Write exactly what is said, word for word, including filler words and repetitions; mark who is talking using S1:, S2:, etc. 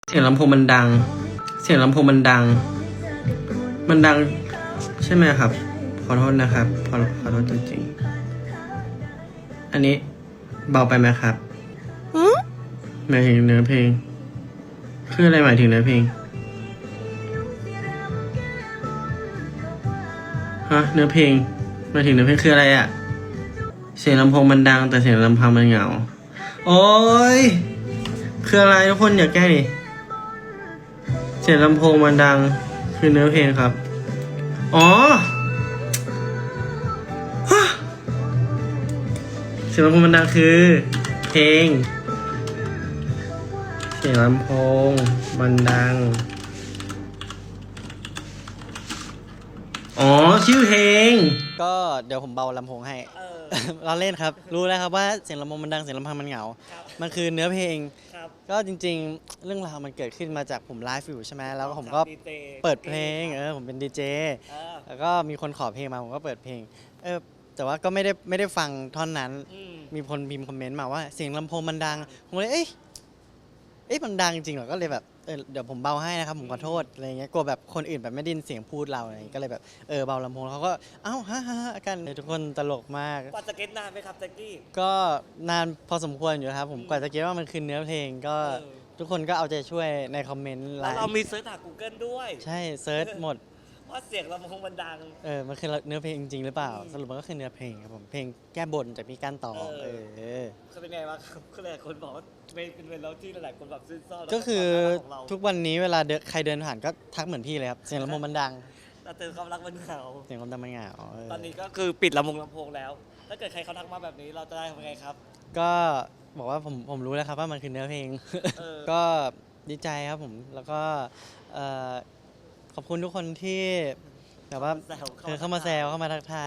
S1: เสียงลำโพงมันดัง เสียงลำโพงมันดัง มันดังใช่ไหมครับ ขอโทษนะครับ ขอขอโทษจริงๆ อันนี้เบาไปไหมครับหมายถึงเนื้อเพลง คืออะไรหมายถึงเนื้อเพลง ฮะ เนื้อเพลงหมายถึงเนื้อเพลงคืออะไรอะเสียงลำโพงมันดังแต่เสียงลำพังมันเหงา โอ้ยคืออะไรทุกคนอย่าแก้ดิเสียงลำโพงมันดังคือเนื้อเพลงครับ อ๋อฮะเสียงลำโพงมันดังคือเพลง เสียงลำโพงมันดัง อ๋อชื่อเพลง
S2: ก็เดี๋ยวผมเบาลำโพงให้ เราเล่นครับ รู้แล้วครับว่าเสียงลำโพงมันดังเสียงลำพังมันเหงา มันคือเนื้อเพลง ก็จริงๆ เรื่องราวมันเกิดขึ้นมาจากผมไลฟ์อยู่ใช่ไหมแล้วผมก็เปิดเพลงเออผมเป็นดีเจแล้วก็มีคนขอเพลงมาผมก็เปิดเพลงเออแต่ว่าก็ไม่ได้ไม่ได้ฟังท่อนนั้น มีคนพิมพ์คอมเมนต์มาว่าเสียงลำโพงมันดังผมเลยเอ้ยเอ๊ะมันดังจริงเหรอก็เลยแบบเออเดี๋ยวผมเบาให้นะครับผมขอโทษอะไรเงี้ยกลัวแบบคนอื่นแบบไม่ได้ยินเสียงพูดเราอะไรเงี้ยก็เลยแบบเออเบาลำโพงแล้วเขาก็เอ้าฮ่าฮ่ากันทุกคนตลกมาก
S3: กว่าจะเก็ตนานไหมครับแจ็คกี้
S2: ก็นานพอสมควรอยู่ครับผมกว่าจะคิดว่ามันคือเนื้อเพลงก็
S3: เออ
S2: ทุกคนก็เอาใจช่วยในคอมเมนต์ไล
S3: แล้วเรา
S2: น์
S3: มีเซิร์ชหา Google ด้วย
S2: ใช่เซิร์ชหมด
S3: ว่าเสียงลำโพงมันดัง
S2: เออมันคือเนื้อเพลงจริงๆหรือเปล่า สรุปมันก็คือเนื้อเพลงครับผมเพลงแก้บนจากพี่ก้านตอง
S3: เออ
S2: เออ
S3: คือเป็นไงวะครับคือหลายคนบอกว่าเป็นเป็นเราที่หลายคนแบบซื่นซ่อน
S2: ก็คือ
S3: แล้วก็ความรักของเรา
S2: ทุกวันนี้เวลาเดินใครเดินผ่านก็ทักเหมือนพี่เลยครับเสียงลำโพงมันดัง
S3: แต่เตือนความรักมันเหงา
S2: เสียงลำโพงมันเหงาเออ
S3: ตอนนี้ก็คือปิดลำโพงลำโพงแล้ว ถ้าเกิดใครเขาทักมาแบบนี้เราจะได้ทำไงครับ
S2: ก็บอกว่าผมผมรู้แล้วครับว่ามันคือเนื้อเพลง
S3: เออ
S2: ก็ดีใจครับผมแล้วก็เอ่อขอบคุณทุกคนที่แบบว่า
S3: แซว
S2: เออเข้ามาแซวเข้ามาทักทาย